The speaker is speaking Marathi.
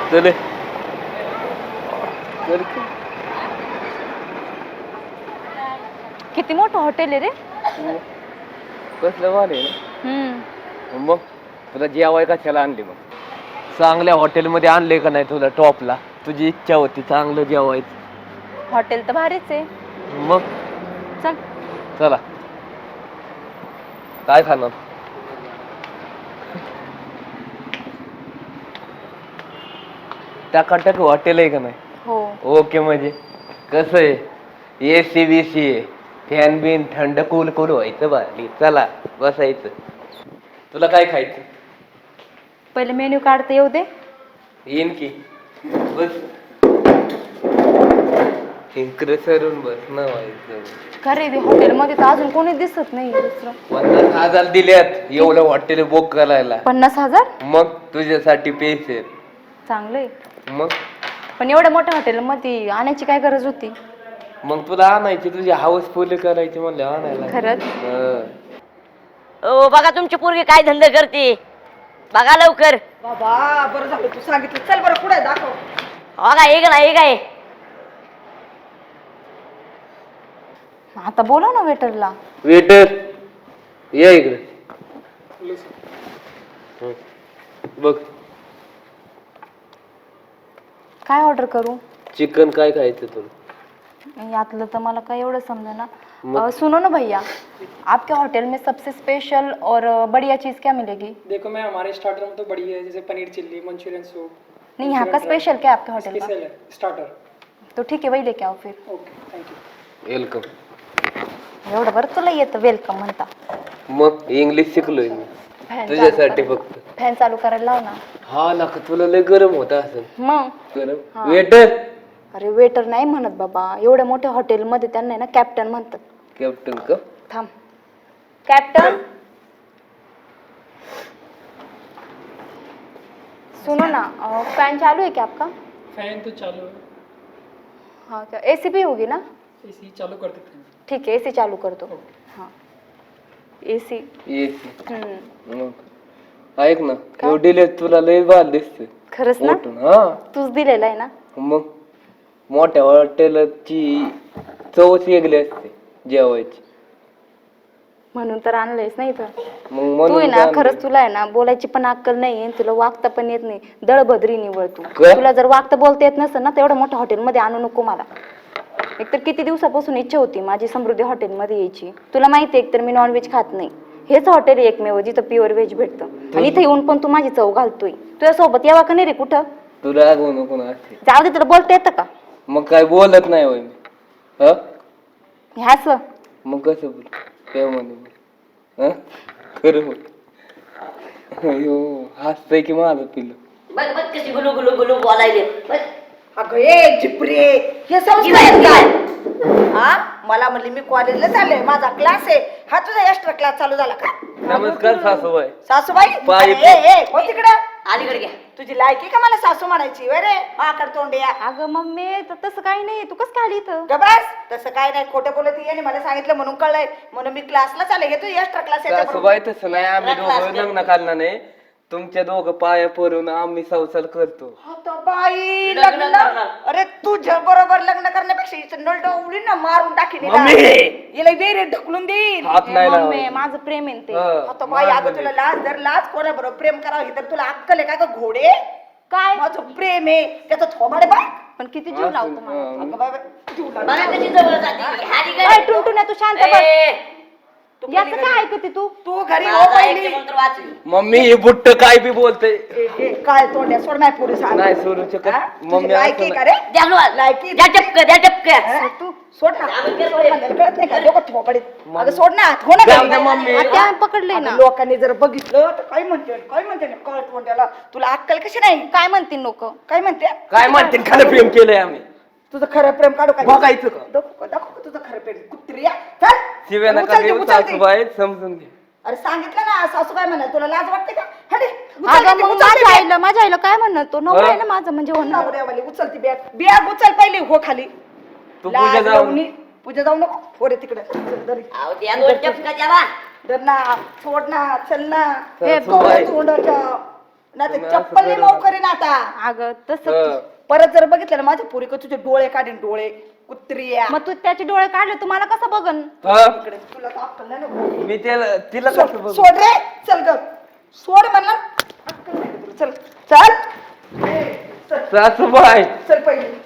चले चल की. किती मोठं हॉटेल आहे रे. कसलं वाले ना. मग तुला जेवाय कशाला आणले मग? चांगल्या हॉटेलमध्ये आणले का नाही तुला टॉपला? तुझी इच्छा होती चांगलं जेवायचं. हॉटेल तर भारीच आहे. मग चल चला. काय खाणार? टाकाटक हॉटेल आहे का नाही? हो. ओके. म्हणजे कसं आहे, एसी बीसी आहे, फॅन बिन थंड कूल कूल व्हायचं बारी. चला बसायचं. तुला काय खायचं? पहिले मेन्यू काढता येऊ दे. येईन की. बस इकडे सरून बस ना व्हायचं. खरे हॉटेल मध्ये तर अजून कोणी दिसत नाही दुसरं. 50,000 दिल्यात एवढं हॉटेल बुक करायला. 50,000? मग तुझ्यासाठी पैसे. चांगलंय. मग पण एवढ्या मोठ्या हॉटेल मध्ये आणायची काय गरज होती? मग तुला आणायची, तुझी हाऊस फुल करायची म्हणले आणायला. खरंच? ओ बघा तुमची पोरगी काय धंदा करते, बघा लवकर. बाबा बरं झालं तू सांगितलं. चल बरं पुढे दाखव. हो का, हे का हे काय? आता बोलव ना वेटरला. वेटर या इकडे. बघ काय ऑर्डर करू? चिकन काय खायचं तुला? यातलं तर मला काय एवढं समजा ना. सुनो ना भैया, आपके होटल में सबसे स्पेशल और बढ़िया चीज़ क्या मिलेगी? देखो मैं हमारे स्टार्टर में तो बढ़िया है, जैसे पनीर चिल्ली, मंचूरियन सूप. नहीं, यहाँ का स्पेशल क्या है आपके होटल का? स्पेशल है स्टार्टर. तो ठीक है, वही लेके आओ फिर. Okay thank you. वेलकम. एवढं बरं तुला येतं वेलकम म्हणता. मग इंग्लिश शिकलोय मी तुझ्यासाठी फक्त. फॅन चालू करायला लाव ना. हा ना, तुला लय गरम होत असेल. मग गरम. वेटर. अरे वेटर नाही म्हणत बाबा, एवढ्या मोठ्या हॉटेल मध्ये त्यांना ना कॅप्टन म्हणतात. कॅप्टन का? थांब. कॅप्टन सुनो ना, फैन चालू है क्या आपका? फैन तो चालू है. हाँ क्या एसी भी होगी ना? एसी चालू कर देते हैं. ठीक है, एसी चालू कर दो. हाँ एसी. मग ऐक ना, एवढी तुला लय बाल दिसते. खरंच ना? हा तूच दिलेला आहे ना. मग मोठ्या हॉटेलची चवच वेगळी असते जेवायची. म्हणून तर आणलंयस नाही तर. मग तू आहे ना, म्हणून खरंच तुला आहे ना बोलायची पण अक्कल नाही, तुला वागता पण येत नाही. दळभद्री निवड तू. काय? तुला जर वागता बोलता येत नसेल ना, तेवढ्या मोठ्या हॉटेल मध्ये आणू नको मला. एकतर किती दिवसापासून इच्छा होती माझी समृद्धी हॉटेल मध्ये यायची. तुला माहिती आहे, एकतर मी नॉनव्हेज खात नाही. हेच हॉटेल एकमेव जिथं प्युअर व्हेज भेटतं. आणि इथे येऊन पण तू माझी चव घालतोय. तुझ्या सोबत यावा का नाही रे कुठं? तुला रागवू नको ना असते. जाऊ दे, तुला बोलता येतं का? मग काय बोलत नाही होय मी. हा ह्याच मग कसं बोल काय म्हणे? हा खरं बोल. अयो हसतंय की माझं पिल्लू. बघ बघ कशी गुलू गुलू गुलू बोलायले. बघ. अगं ए जिप्रे, हे संस्कार काय? हा मला म्हणली मी कॉलेजला चालले, माझा क्लास आहे. हा तुझा एक्स्ट्रा क्लास चालू झाला का? नमस्कार सासूबाई. सासूबाई पाय- अरे, ए हो तिकडं. अलीकडे घ्या. तुझी लायकी का मला सासू म्हणायची? रे आकर तोंड्या. अगं मम्मी तसं काही नाही. तू कसं काय आली इथं? गबास तसं काय नाही, खोटं बोलत याने मला सांगितलं म्हणून कळलंय. म्हणून मी क्लासला चालले. हे तू एक्स्ट्रा क्लास आहे. सासूबाई तसं नाही, आम्ही दोघं लग्न करणार नाही. तुमच्या दोघं पाया पडून आम्ही संसार करतो. आता बाई लग्न लग्न. करणार. अरे तुझ्या बरोबर लग्न करण्यापेक्षा हिचं नळ उडीन ना, मारून टाकीन हिला. मम्मी! हिला वेरे ढकलून देईन. हात नाही मम्मी लावायचे. माझं प्रेम आहे ते. हा, आता बाई अगं तुला लाज धर लाज, कोणाबरोबर प्रेम करावं ही तर तुला अक्कल आहे का ग घोडे? काय माझं प्रेम आहे त्याचं थोबाडे बाय. पण किती जीव लावतो मला. अगं बाबा जीव लाव. बघा कशी जवळ जाते. हाडी काय काय? टुनटुन्या, तू शांत बस. याचं काय ऐकते तू? तू घरी हो माझा पहिली. ऐकते मंत्र वाचली. मम्मी हे बुट्ट काय बी बोलते. काय तोंड्या सोड नाही पोरी सांग. नाही सोडू शकत. मम्मी लायकी असं का रे? द्या हलवा. लायकी. द्या टपकं, द्या टपकं. हा? तू सोड ना. आम्ही सोड करतोय. म्हणल्यावर कळत नाही का? लोकं थोबाडीत. अगं सोड ना. हो ना जाऊ घरी. दे मम्मी. आता पकडले ना. अगं लोकांनी जर बघितलं तर काय म्हणते ना कळ तोंड्याला. तुला अक्कल कशी नाही? काय म्हणतील लोक? काय म्हणते? काय म्हणते खरं प्रेम केलंय आम्ही. तुझं खरं प्रेम काढू काय? बघायचं का? दाखव का तुझं खरं प्रेम? कुत्रिया चल. शिव्या नका उचल ती, देऊ उचल ती. सासूबाई, समजून घे. अरे सांगितलं ना सासूबाई म्हणा, तुला लाज वाटते का? हटे, उचल अगं ती, मग उचल ती माझ्या आईला काय म्हणणार? तो नवरा आहे ना माझा, म्हणजे बॅग. होणार. नवऱ्यावाली उचल ती बॅग. बॅग उचल पहिली, हो खाली. तू लाज पूजा जाऊ. लावणी. पूजा जाऊ नको. हो रे तिकडे. चल, दरी. अहो, द्या दोन टपकं द्या बा. धर ना, सोड ना, चल ना. हे तोंड तोंडाच्या ना ते तुम्ही असं चप्पल करू मऊ करीन आता. अगं तसं परत जर बघितलं ना माझ्या पुरी तुझे डोळे काढीन डोळे कुत्रिया. मग तू त्याचे डोळे काढले तुम्हाला कसं बघन? हा? इकडे तुला तर अक्कल नाही ना भाऊ. मी तिला सोड कसं बघू? सोड रे चल ग सोड म्हणलं अक्कल नाही का तुला? चल चल ए, चल सासूबाई चल पहिले